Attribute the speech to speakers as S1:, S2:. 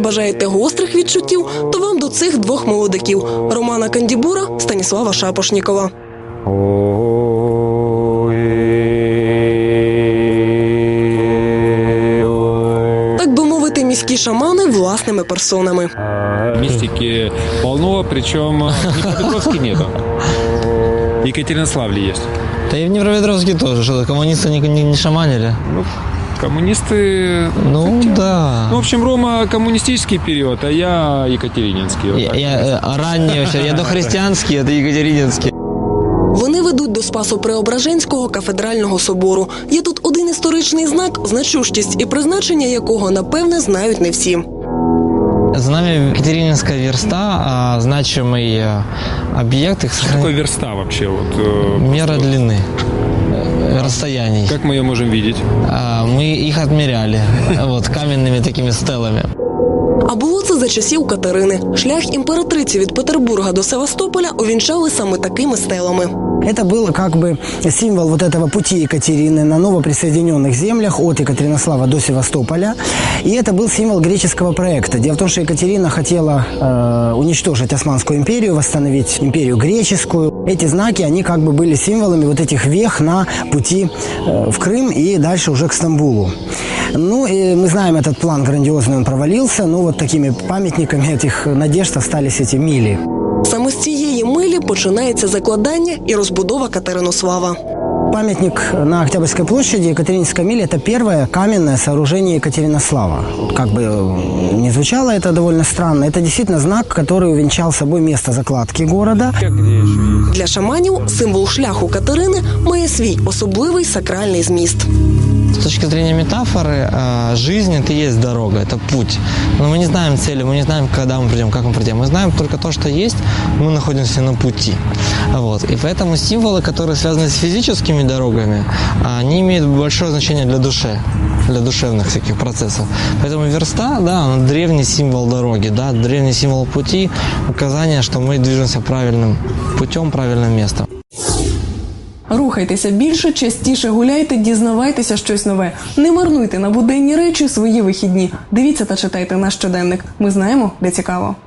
S1: бажаєте гострих відчуттів, то вам до цих двох молодиків – Романа Кандібура, Станіслава Шапошнікова. Так би мовити, міські шамани власними персонами.
S2: Мистики полно, причем в Днепропетровске нету. В Екатеринославле есть.
S3: Да и в Днепропетровске тоже, что коммунисты не шаманили.
S2: Ну, коммунисты...
S3: Ну, да.
S2: Ну, в общем, Рома коммунистический период, а я екатерининский. Вот
S3: Я ранний вообще, я дохристианский, это екатерининский.
S1: Вони ведуть до Спасо-Преображенського кафедрального собору. Є тут один історичний знак, значущість і призначення якого, напевне, знають не всі.
S3: Знамя Екатерининская верста, значимый объект.
S2: что такое верста вообще? Вот,
S3: мера длины, расстояний.
S2: Как мы ее можем видеть?
S3: Мы их отмеряли вот, каменными такими стелами.
S1: А було це за часів Катерини. Шлях імператриці від Петербурга до Севастополя увінчали саме такими стелами.
S4: Это был как бы символ вот этого пути Екатерины на новоприсоединенных землях от Екатеринослава до Севастополя. И это был символ греческого проекта. Дело в том, что Екатерина хотела уничтожить Османскую империю, восстановить империю греческую. Эти знаки, они как бы были символами вот этих вех на пути в Крым и дальше уже к Стамбулу. Ну, и мы знаем, этот план грандиозный, он провалился. Ну, вот такими памятниками этих надежд остались эти мили.
S1: Саме з цієї милі починається закладання і розбудова Катеринослава.
S4: Памятник на Октябрьской площади, Екатерининская миля – это первое каменное сооружение Екатеринослава. Как бы не звучало это довольно странно, это действительно знак, который увенчал собой место закладки города.
S1: Для шаманів символ шляху Катерини має свій особливий сакральний зміст.
S3: С точки зрения метафоры, жизнь – это и есть дорога, это путь. Но мы не знаем цели, мы не знаем, когда мы придем, как мы придем. Мы знаем только то, что есть, мы находимся на пути. Вот. И поэтому символы, которые связаны с физическими дорогами, они имеют большое значение для души, для душевных всяких процессов. Поэтому верста, да, она древний символ дороги, да, древний символ пути, указание, что мы движемся правильным путем, правильным местом.
S5: Рухайтеся більше, частіше гуляйте, дізнавайтеся щось нове. Не марнуйте на буденні речі свої вихідні. Дивіться та читайте наш щоденник. Ми знаємо, де цікаво.